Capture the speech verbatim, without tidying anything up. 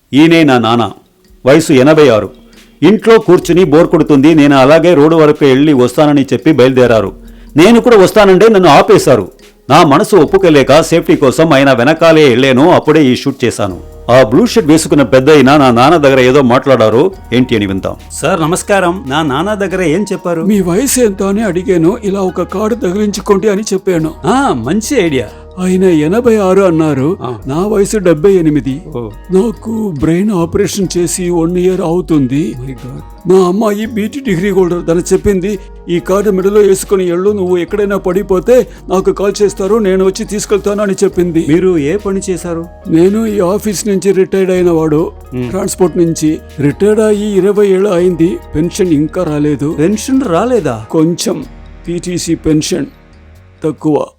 ఈయనే నా నాన్న, వయసు ఎనభై ఆరు. ఇంట్లో కూర్చుని బోర్ కొడుతుంది. నేను అలాగే రోడ్డు వరకు వెళ్ళి వస్తానని చెప్పి బయలుదేరారు. నేను కూడా వస్తానంటే నన్ను ఆపేశారు. నా మనసు ఒప్పుకోలేక సేఫ్టీ కోసం ఆయన వెనకాలే వెళ్ళాను. అప్పుడే ఈ షూట్ చేశాను. ఆ బ్లూ షర్ట్ వేసుకున్న పెద్ద అయినా నా నాన్న దగ్గర ఏదో మాట్లాడారు, ఏంటి అని విందాం. సార్ నమస్కారం. నా నాన్న దగ్గర ఏం చెప్పారు? మీ వయసు ఎంత అని అడిగాను. ఇలా ఒక కార్డు తగిలించుకోండి అని చెప్పాను. ఆ మంచి ఐడియా. ఆయన ఎనభై ఆరు అన్నారు. నా వయసు డెబ్బై ఎనిమిది. నాకు బ్రెయిన్ ఆపరేషన్ చేసి వన్ ఇయర్ అవుతుంది. నా అమ్మాయి బీటీ డిగ్రీ హోల్డర్. తను చెప్పింది, ఈ కార్డు మెడలో వేసుకుని ఎళ్ళు, నువ్వు ఎక్కడైనా పడిపోతే నాకు కాల్ చేస్తారు, నేను వచ్చి తీసుకెళ్తాను అని చెప్పింది. మీరు ఏ పని చేశారు? నేను ఈ ఆఫీస్ నుంచి రిటైర్డ్ అయిన వాడు, ట్రాన్స్పోర్ట్ నుంచి. రిటైర్డ్ అయ్యి ఇరవై ఏళ్ళు అయింది. పెన్షన్ ఇంకా రాలేదు. పెన్షన్ రాలేదా? కొంచెం పీటీసీ పెన్షన్ తక్కువ.